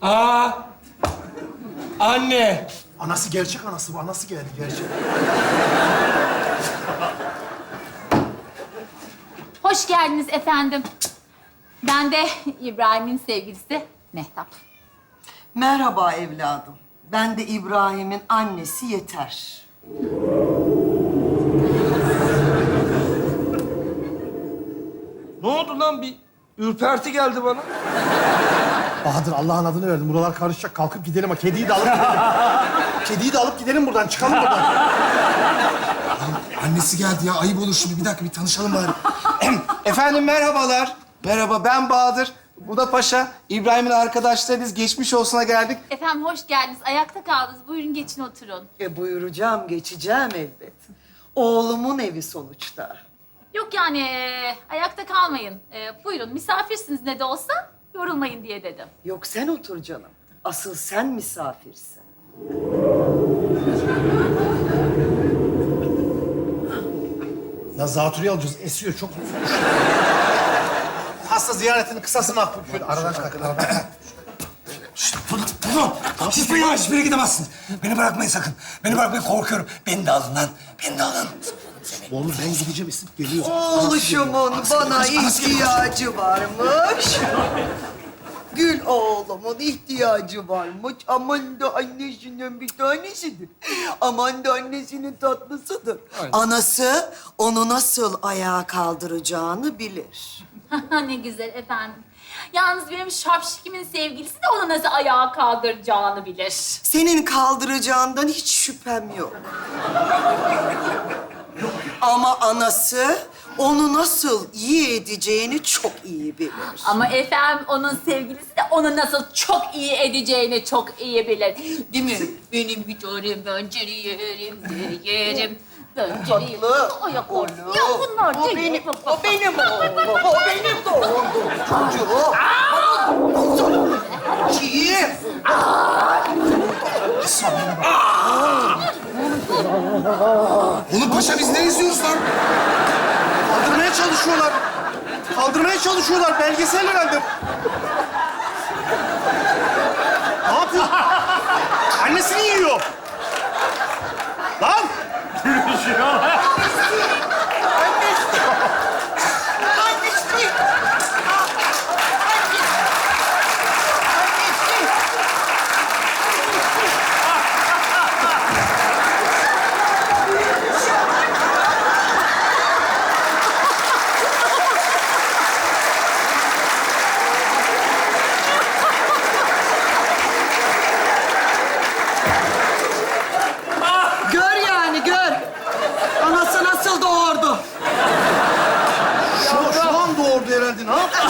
Aa! Anne! Anası gerçek anası bu. Anası geldi gerçek. Hoş geldiniz efendim. Ben de İbrahim'in sevgilisi Mehtap. Merhaba evladım. Ben de İbrahim'in annesi Yeter. Ne oldu lan? Bir ürperti geldi bana. Bahadır Allah'ın adını verdim. Buralar karışacak. Kalkıp gidelim. Ha, kediyi de alıp gidelim. Kediyi de alıp gidelim buradan. Çıkalım buradan. Annesi geldi ya. Ayıp olur şimdi. Bir dakika bir tanışalım bari. Efendim merhabalar. Merhaba ben Bahadır. Bu da Paşa. İbrahim'in arkadaşlarıyız. Geçmiş olsuna geldik. Efendim hoş geldiniz. Ayakta kaldınız. Buyurun geçin oturun. Buyuracağım, geçeceğim elbet. Oğlumun evi sonuçta. Yok yani ayakta kalmayın. Buyurun misafirsiniz ne de olsa yorulmayın diye dedim. Yok sen otur canım. Asıl sen misafirsin. Ya zatürre alacağız. Esiyor çok. Hasta ziyaretinin kısası makbul. Şöyle aradan kalk. Aradan. Bunu. Hiçbir yere, hiçbir yere gidemezsin. Beni bırakmayın sakın. Beni bırakmayın, korkuyorum. Beni de alın lan. Beni de alın. Oğlum ben gideceğim. Esip geliyor. Oğluşumun bana ihtiyacı varmış. Gül oğlumun ihtiyacı varmış. Aman da annesinden bir tanesidir. Aman da annesinin tatlısıdır. Anası onu nasıl ayağa kaldıracağını bilir. Ne güzel efendim. Yalnız benim şapşikimin sevgilisi de onu nasıl ayağa kaldıracağını bilir. Senin kaldıracağından hiç şüphem yok. Ama anası onu nasıl iyi edeceğini çok iyi bilir. Ama efendim onun sevgilisi de onu nasıl çok iyi edeceğini çok iyi bilir. Değil mi? Benim bir tanem bönceri yerim, yerim. Bönceri yerim. Tatlı. Ayak Oğlum. ordu. Ya bunlar O değil. benim, o benim oğlum. O benim doğum çocuğum. Kim? Oğlum Paşa biz ne izliyoruz lan? Kaldırmaya çalışıyorlar. Kaldırmaya çalışıyorlar. Belgesel herhalde. Ne yapıyor? Annesini yiyor. Lan! Gör yani gör. Anası nasıl doğurdu? Şu an doğurdu herhalde. Ne yaptı?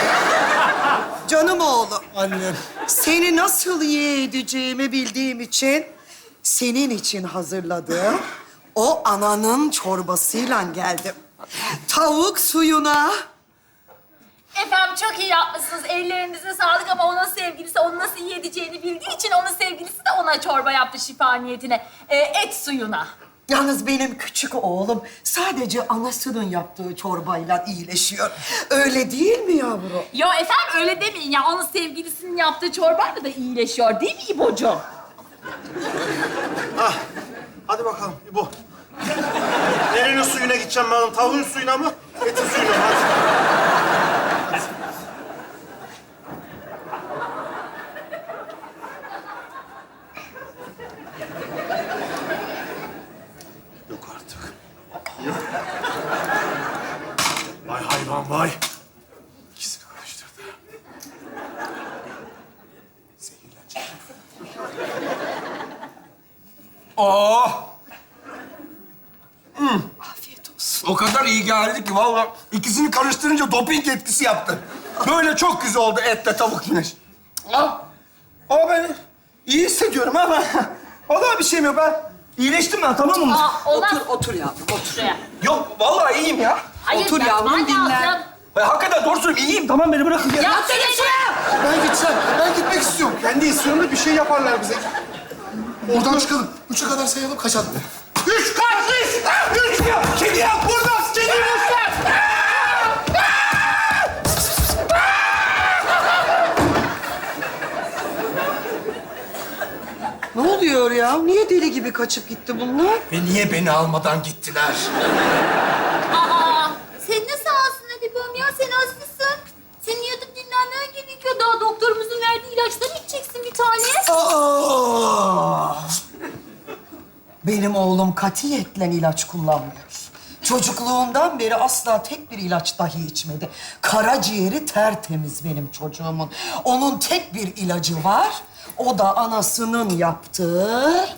Canım oğlum. Annem. Seni nasıl iyi edeceğimi bildiğim için senin için hazırladığım o ananın çorbasıyla geldim. Tavuk suyuna Efendim çok iyi yapmışsınız. Ellerinize sağlık ama onun sevgilisi onu nasıl iyi edeceğini bildiği için onun sevgilisi de ona çorba yaptı şifa niyetine. Et suyuna. Yalnız benim küçük oğlum sadece anasının yaptığı çorbayla iyileşiyor. Öyle değil mi yavrum? Yo efendim öyle demeyin ya. Onun sevgilisinin yaptığı çorbayla da iyileşiyor değil mi İbocuğum? Ah, hadi bakalım İbo. Nerenin suyuna gideceğim ben? Tavuğun suyuna mı? Etin suyuna mı? Hadi. Yok artık. Vay hayvan vay. İkisini karıştırdı. Zehirlenecek. Oh! Afiyet olsun. O kadar iyi geldi ki vallahi ikisini karıştırınca doping etkisi yaptı. Böyle çok güzel oldu etle tavuk güneş. Ah! Ama ben iyi hissediyorum ama vallahi bir şeyim yok ben. İyileştim ben tamam mı? Olmaz. Otur yavrum, otur. Şuraya. Yok vallahi iyiyim ya. Hayır, Otur yapman yavrum, dinlen. lazım. Hakikaten doğru söylüyorum iyiyim tamam beni bırakın ya. Ya şuraya. Ben gideceğim. Ben gitmek istiyorum. Kendi istiyorum da bir şey yaparlar bize. Oradan çıkalım. 3'e kadar sayalım kaçalım. Üç kaç üç! Üç ya! Kedi yap burada! Kedi lütfen! oluyor ya? Niye deli gibi kaçıp gitti bunlar? Ve niye beni almadan gittiler? Aa, sen nasıl ağzına Edip'im ya? Sen hastasın. Senin yatıp dinlenmen gerekiyor. Daha doktorumuzun verdiği ilaçları içeceksin bir tane. Aa! Benim oğlum katiyetle ilaç kullanmıyor. Çocukluğundan beri asla tek bir ilaç dahi içmedi. Karaciğeri tertemiz benim çocuğumun. Onun tek bir ilacı var. O da anasının yaptığı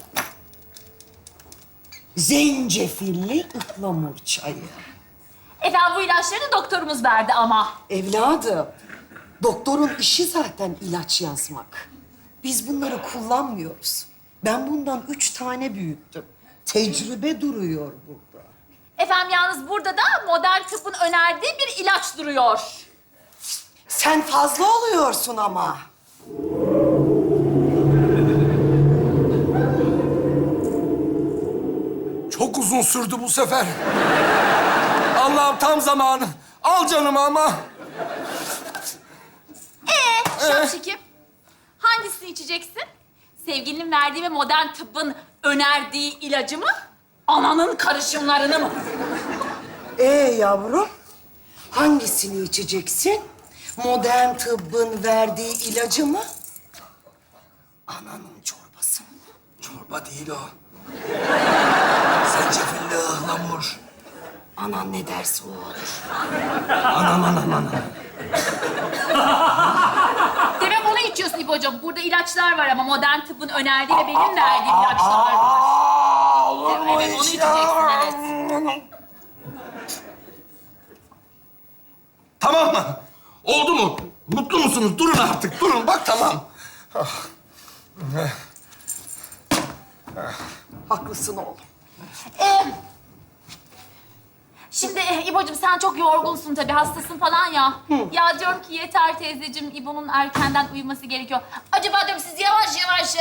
zencefilli ıhlamur çayı. Efendim bu ilaçları doktorumuz verdi ama. Evladım, doktorun işi zaten ilaç yazmak. Biz bunları kullanmıyoruz. Ben bundan 3 tane büyüttüm. Tecrübe duruyor burada. Efendim yalnız burada da modern tıbbın önerdiği bir ilaç duruyor. Sen fazla oluyorsun ama. Çok uzun sürdü bu sefer. Allah'ım tam zamanı. Al canımı ama. Şapşikim, hangisini içeceksin? Sevgilinin verdiği ve modern tıbbın önerdiği ilacı mı? Ananın karışımlarını mı? Yavrum, hangisini içeceksin? Modern tıbbın verdiği ilacı mı? Ananın çorbası mı? Çorba değil o. Zencefilli ıhlamur. Anan ne derse o olur. Anam. Demek onu içiyorsun İbo'cum. Burada ilaçlar var ama modern tıbbın önerdiği ve benim verdiğim ilaçlar var. Olur mu Evet, onu hiç içeceksin, ya? Tamam mı? Oldu mu? Mutlu musunuz? Durun artık, durun. Bak tamam. Haklısın oğlum. Şimdi İbo'cum sen çok yorgunsun tabii, hastasın falan ya. Ya diyorum ki yeter teyzeciğim, İbo'nun erkenden uyuması gerekiyor. Acaba diyorum siz yavaş yavaş...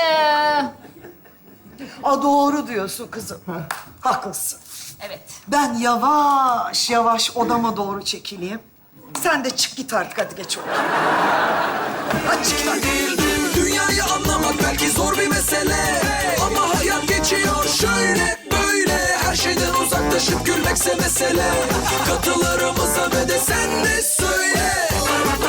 Doğru diyorsun kızım. Haklısın. Evet. Ben yavaş yavaş odama doğru çekileyim. Sen de çık git artık, hadi geç odaya. Hadi çık git. Dünyayı anlamak belki zor bir mesele, ama hayat geçiyor şöyle böyle. Her şeyden uzaklaşıp gülmekse mesele. Katılarımıza ve de sen de söyle.